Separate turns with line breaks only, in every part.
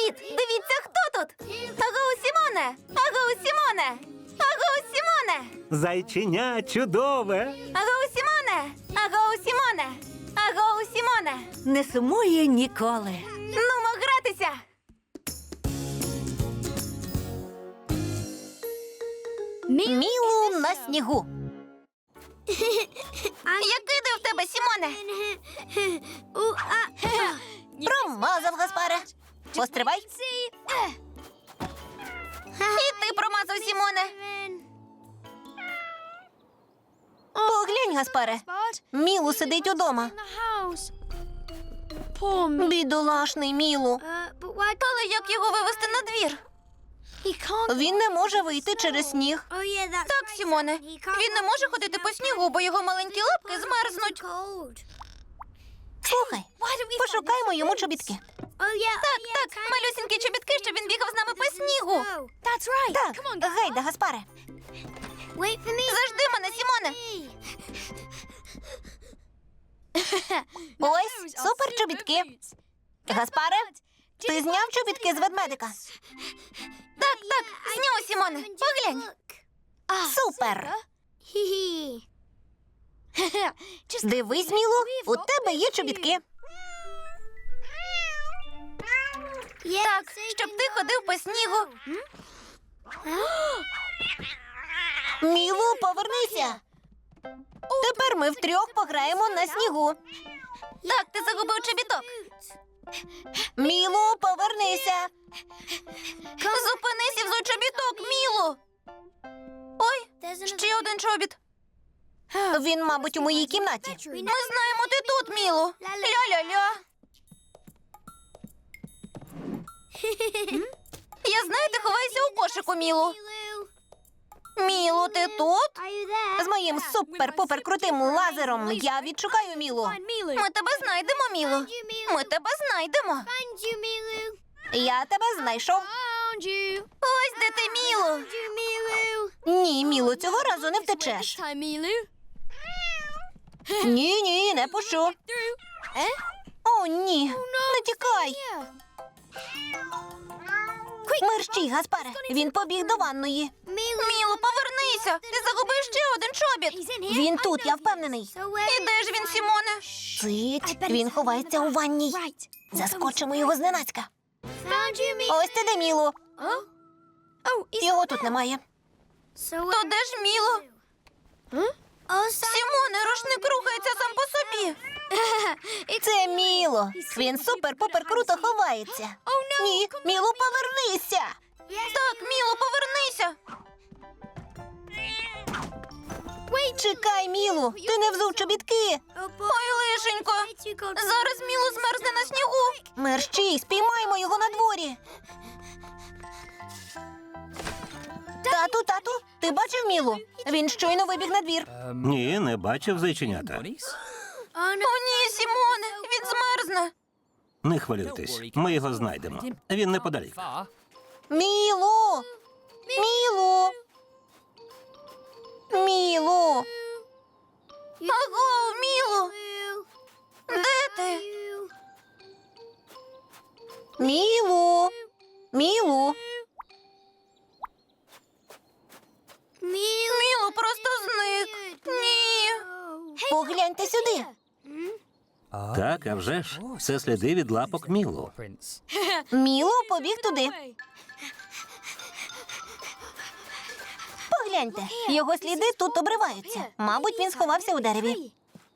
Привіт! Дивіться, хто тут! Агоу, Сімоне! Агоу, Сімоне! Агоу, Сімоне!
Зайченя чудове.
Агоу, Сімоне! Агоу, Сімоне! Агоу, Сімоне!
Не сумує ніколи.
Нумо гратися!
Мілу на снігу.
Який де в тебе, Сімоне?
Промазав, Гаспаре. Постривай.
І ти промазав, Сімоне.
Поглянь, Гаспаре. Мілу сидить удома. Бідолашний Мілу.
Але як його вивести на двір?
Він не може вийти через сніг.
Так, Сімоне. Він не може ходити по снігу, бо його маленькі лапки змерзнуть.
Слухай, пошукаймо йому чобітки.
Так, малюсінькі чобітки, щоб він бігав з нами по снігу.
Так, гайда, Гаспаре.
Зажди мене, Сімоне.
Ось, супер чобітки. Гаспаре, ти зняв чобітки з ведмедика?
Так, зняв, Сімоне. Поглянь.
Супер. Дивись, Мілу, у тебе є чобітки.
Так, щоб ти ходив по снігу.
Мілу, повернися. Тепер ми втрьох пограємо на снігу.
Так, ти загубив чобіток.
Мілу, повернися.
Зупинись і взуй чобіток, Мілу. Ой, ще один чобіт.
Він, мабуть, у моїй кімнаті.
Ми знаємо, ти тут, Мілу. Ля-ля-ля. Я знаю, ти ховаєшся у кошику, Мілу. Мілу, ти тут?
З моїм супер-пупер крутим лазером я відшукаю Мілу.
Ми тебе знайдемо, Мілу. Ми тебе знайдемо.
Я тебе знайшов.
Ось де ти, Мілу.
Ні, Мілу, цього разу не втечеш. Ні, не пущу. О, ні, не тікай. Мерщій, Гаспаре, він побіг до ванної.
Мілу, повернися. Ти загубив ще один чобіт.
Він тут, я впевнений.
І де ж він, Сімоне?
Цить, він ховається у ванній. Заскочимо його зненацька. Ось ти де, Мілу. Його тут немає.
То де ж Мілу? Сімоне, рушник рухається сам по собі.
Це Міло. Він супер-пупер круто ховається. Ні, Мілу, повернися.
Так, Мілу, повернися.
Чекай, Мілу, ти не взув чобітки.
Ой, лишенько. Зараз Мілу змерзне на снігу.
Мерщій, спіймаємо його на дворі. Тату, ти бачив Мілу? Він щойно вибіг на двір.
Ні, не бачив зайченята.
О, ні, Сімоне, він змерзне.
Не хвилюйтесь, ми його знайдемо. Він неподалік.
Мілу! Мілу! Мілу!
Аго, Мілу, де ти?
Мілу! Мілу!
Мілу просто зник. Ні.
Погляньте сюди.
Так, а вже ж. Це сліди від лапок Мілу.
Мілу побіг туди. Погляньте, його сліди тут обриваються. Мабуть, він сховався у дереві.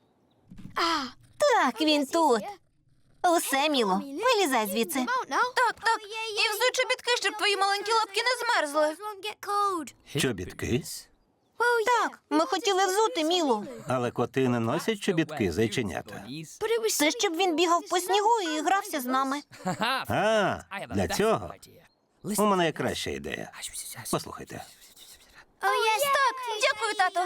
Так, він тут. Усе, Міло, вилізай звідси.
Так. І взуй чобітки, щоб твої маленькі лапки не змерзли.
Чобітки?
Так, ми хотіли взути Мілу.
Але коти не носять чобітки, зайченята.
Це щоб він бігав по снігу і грався з нами.
А, для цього? У мене є краща ідея. Послухайте.
Так, дякую, тато.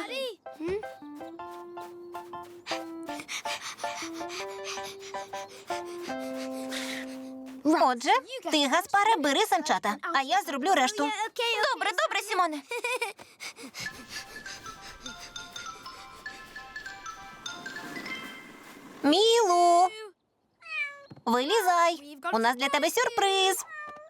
Отже, ти, Гаспаре, бери санчата, а я зроблю решту.
Добре, Сімоне.
Мілу! Вилізай! У нас для тебе сюрприз.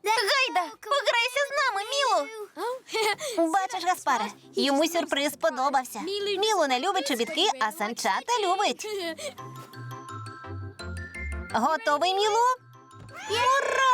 Гайда, пограйся з нами, Мілу.
Бачиш, Гаспаре, йому сюрприз сподобався. Мілу не любить чобітки, а санчата любить. Готовий, Мілу? Ура!